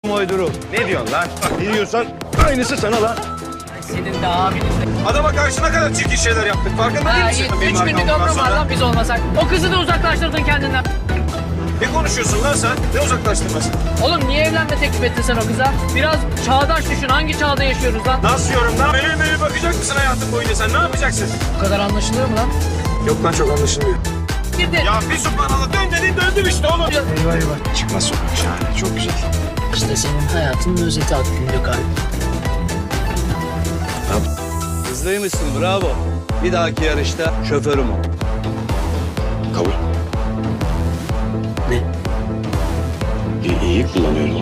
Uyduru. Ne diyorsun lan? Ne diyorsan aynısı sana lan. Senin de abinin de. Adama karşı ne kadar çirkin şeyler yaptık. Farkında değil misin? 3 günlük arkamdan ömrüm var sonra. lan biz olmasak. O kızı da uzaklaştırdın kendinden. Ne konuşuyorsun lan sen? Ne uzaklaştırmasın? Oğlum niye evlenme teklif ettin sen o kıza? Biraz çağdaş düşün. Hangi çağda yaşıyoruz lan? Nasıl yorum lan? Böyle bakacak mısın hayatın boyunca sen? Ne yapacaksın? Bu kadar anlaşılıyor mu lan? Yok lan çok anlaşılmıyor. Girdi. Ya bir subhanallah dön dedin döndüm işte oğlum. Eyvah eyvah. Çıkmaz sokak şahane. Çok güzel. İşte senin hayatının özeti aklında kalp. Hızlıymışsın bravo. Bir dahaki yarışta şoförüm ol. Kabul. Ne? İyi kullanıyorum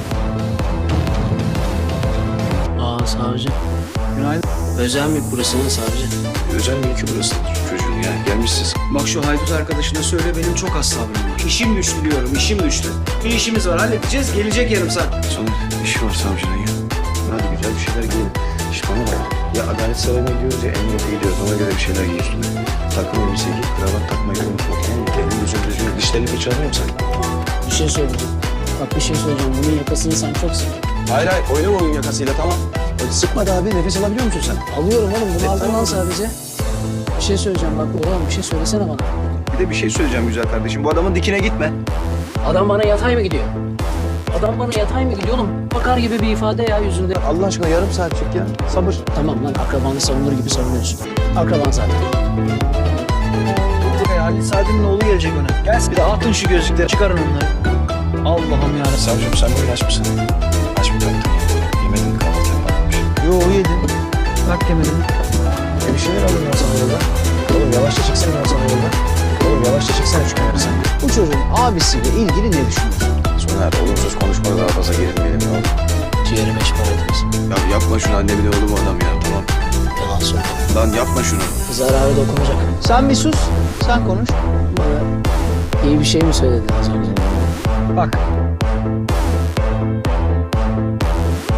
ama. Aa savcı. Günaydın. Özel mi burasının savcı? Özel mülkü burası. Çocuğun ya gelmişsiniz. Bak şu haydut arkadaşına söyle benim çok az sabrım var. İşim güçlü diyorum, işim güçlü. Bir işimiz var, halledeceğiz, gelecek yarım saat. Soner işi var savcının ya. Hadi güzel bir şeyler giyin. İş bana bak. Ya adalet sarayına gidiyoruz ya emniyete gidiyoruz. Ona göre bir şeyler giy üstüne. Takım elbise giy, kravat takmayı unutma tamam mı? Elin gözün düzgün. Dişlerini fırçalamıyor musun sen? Bir şey söyleyeceğim. Bak bir şey söyleyeceğim. Bunun yakasını sen çok sık. Hayır oynama onun yakasıyla tamam. Sıkmadı abi nefes alabiliyor musun sen? Alıyorum oğlum. Bunu aldım lan sadece. Bir şey söyleyeceğim bak oğlum bir şey söylesene bana. Bir de bir şey söyleyeceğim güzel kardeşim. Bu adamın dikine gitme. Adam bana yatay mı gidiyor? Adam bana yatay mı gidiyor oğlum? Bakar gibi bir ifade ya yüzünde. Allah aşkına yarım saatlik ya. Sabır. Tamam lan akrabanı savunur gibi savunuyorsun. Akraban zaten. Halit Saadet'in oğlu gelecek öne. Gelsin bir de atın şu gözlükleri, çıkarın onları. Allah'ım yarabbim. Savcım sen bugün aç mısın? Aç mı kalktın ya? Yemedin mi kahvaltı yapmamış? Yo yedim. Bak yemedim. Bir şeyler alın ya sana yolda. Oğlum yavaşça çıksana ya sana yolda. Oğlum yavaşça çıksana şu kenara sen. Bu çocuğun abisiyle ilgili ne düşünüyorsun? Soner olumsuz konuşmada daha fazla gerilmeyelim ne olur. Ciğerime çıkarttınız. Ya yapma şunu annemin oğlu bu adam ya tamam. Yalan söyle. Lan yapma şunu. Zararı dokunacak. Sen bir sus, sen konuş. Bana iyi bir şey mi söyledin az önce? Bak,